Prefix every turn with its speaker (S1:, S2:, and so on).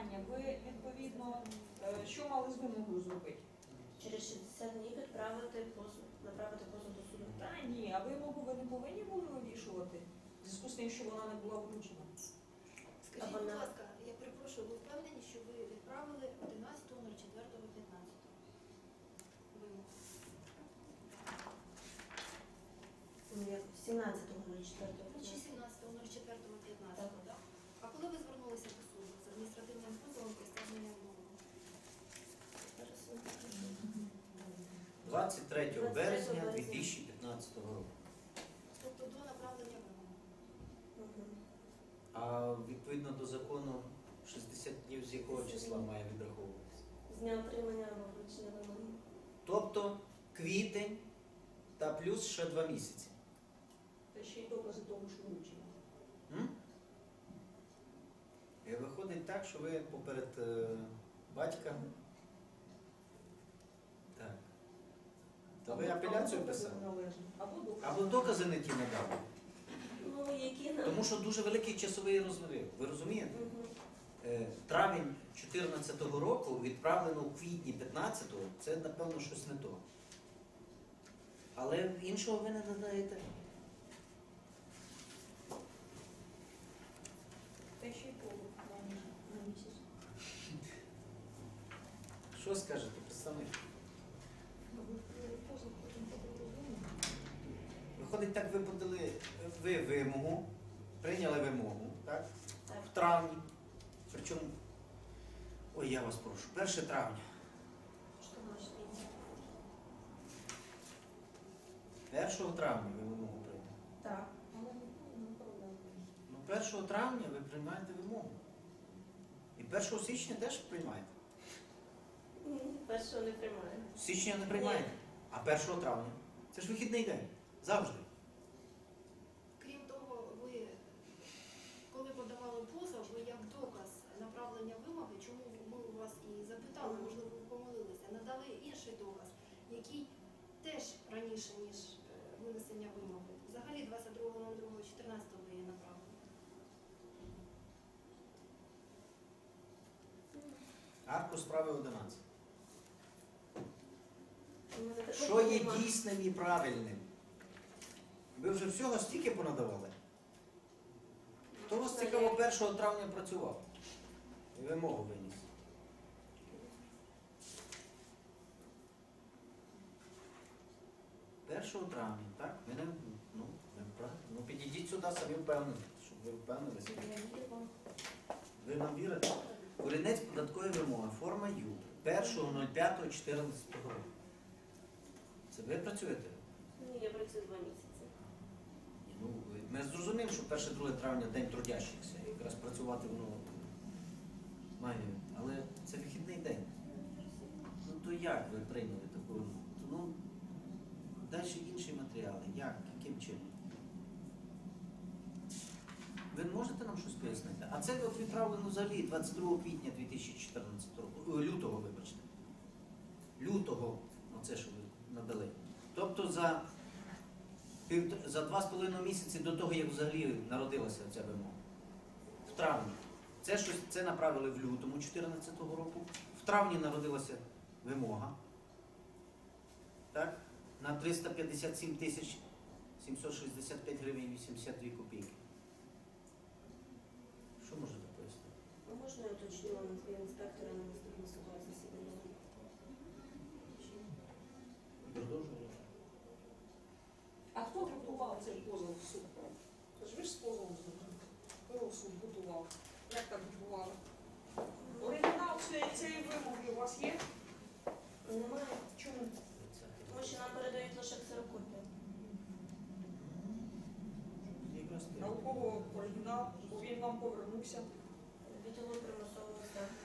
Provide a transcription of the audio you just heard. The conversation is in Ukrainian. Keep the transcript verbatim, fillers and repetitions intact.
S1: питання. Ви, відповідно, е, що мали з вимогою зробити?
S2: Через шістдесят днів відправити позов, направити позов до суду.
S1: Та ні, а вимогу ви не повинні були вирішувати в зв'язку з тим, що вона не була вручена.
S3: Скажіть, будь ласка, я перепрошую, ви впевнені, що ви відправили одинадцятого четвертого п'ятнадцятого? Вимогу.
S2: сімнадцятого четвертого
S3: Чи сімнадцятого четвертого п'ятнадцятого, так? А коли ви звернулися до суду з адміністративним позовом про стягнення вимоги?
S4: двадцять третього березня дві тисячі п'ятнадцятого року.
S3: Тобто до направлення вимоги.
S4: А відповідно до закону шістдесят днів з якого числа має відраховуватися?
S2: З дня отримання або вручення вимоги.
S4: Тобто квітень та плюс ще два місяці.
S1: Та ще й докази того, що вручено.
S4: М? І виходить так, що ви поперед е, батька. Так. Та ви апеляцію писали?
S1: Або докази.
S4: Або докази не ті надали.
S2: Ну, які нам?
S4: Тому що дуже великий часовий розрив. Ви розумієте?
S2: Мгм.
S4: Е, Травень чотирнадцятого року відправлено у квітні п'ятнадцятого, це, напевно, щось не то. Але іншого ви не надаєте.
S1: Та ще й того на місяць.
S4: Що скажете, представник? Виходить, так ви подали ви вимогу, прийняли вимогу, так?
S2: Так.
S4: В травні. Причому, ой, я вас прошу, перше травня.
S2: Що може бути?
S4: першого травня ви вимогу прийняли.
S2: Так.
S1: Але не проблема.
S4: Ну, першого травня ви приймаєте вимогу. І першого січня теж приймаєте.
S2: Ні, першого не приймаю.
S4: Січня не приймаєте, а першого травня. Це ж вихідний день. Завжди.
S3: Крім того, ви, коли подавали позов, ви як доказ направлення вимоги, чому ми у вас і запитали, можливо, ви помилилися, надали інший доказ, який теж раніше, ніж е, винесення вимоги. Взагалі двадцять другого другого чотирнадцятого ви її направили.
S4: Аркуш справи одинадцять.
S2: У мене такого
S4: Що є
S2: нема.
S4: дійсним і правильним? Ви вже всього стільки понадавали? Хто у вас цікаво першого травня працював? І вимогу виніс. першого травня, так? Ми не, ну, ми правильно. Ну, підійдіть сюди, самі впевнені, щоб ви впевнилися.
S2: Я вірю вам.
S4: Ви нам вірите? Корінець податкової вимоги, форма Ю, першого п'ятого чотирнадцятого року. Це ви працюєте?
S2: Ні, я працюю два місяці.
S4: Ні, ну, ми зрозуміємо, що перше-друге травня день трудящихся, і якраз працювати воно має. Але це вихідний день. Ну то як ви прийняли таку? Ну, далі інші матеріали. Як? Яким чином? Ви можете нам щось пояснити? А це от відправлено взагалі двадцять другого квітня дві тисячі чотирнадцятого року. О, лютого, вибачте. Лютого, оце що ви надали. Тобто за, пів, за два з половиною місяці до того, як взагалі народилася ця вимога. В травні. Це щось це направили в лютому дві тисячі чотирнадцятого року. В травні народилася вимога. Так? На триста п'ятдесят сім тисяч сімсот шістдесят п'ять гривень вісімдесят дві копійки. Що можете пояснити?
S2: А можна я уточню на інспектора на наступне судове засідання?
S4: Продовжуємо.
S1: А хто готував цей позов в суд? Тож ви ж з позовом зробили. Хто його в суд готував? Як так готували? Оригінал цієї, цієї вимоги у вас є?
S2: Немає.
S1: Чому?
S2: Тому що нам передають лише ксерокопію.
S4: Якраз
S1: На у кого оригінал? Бо він вам повернувся.
S2: Відділу примусового стягнення.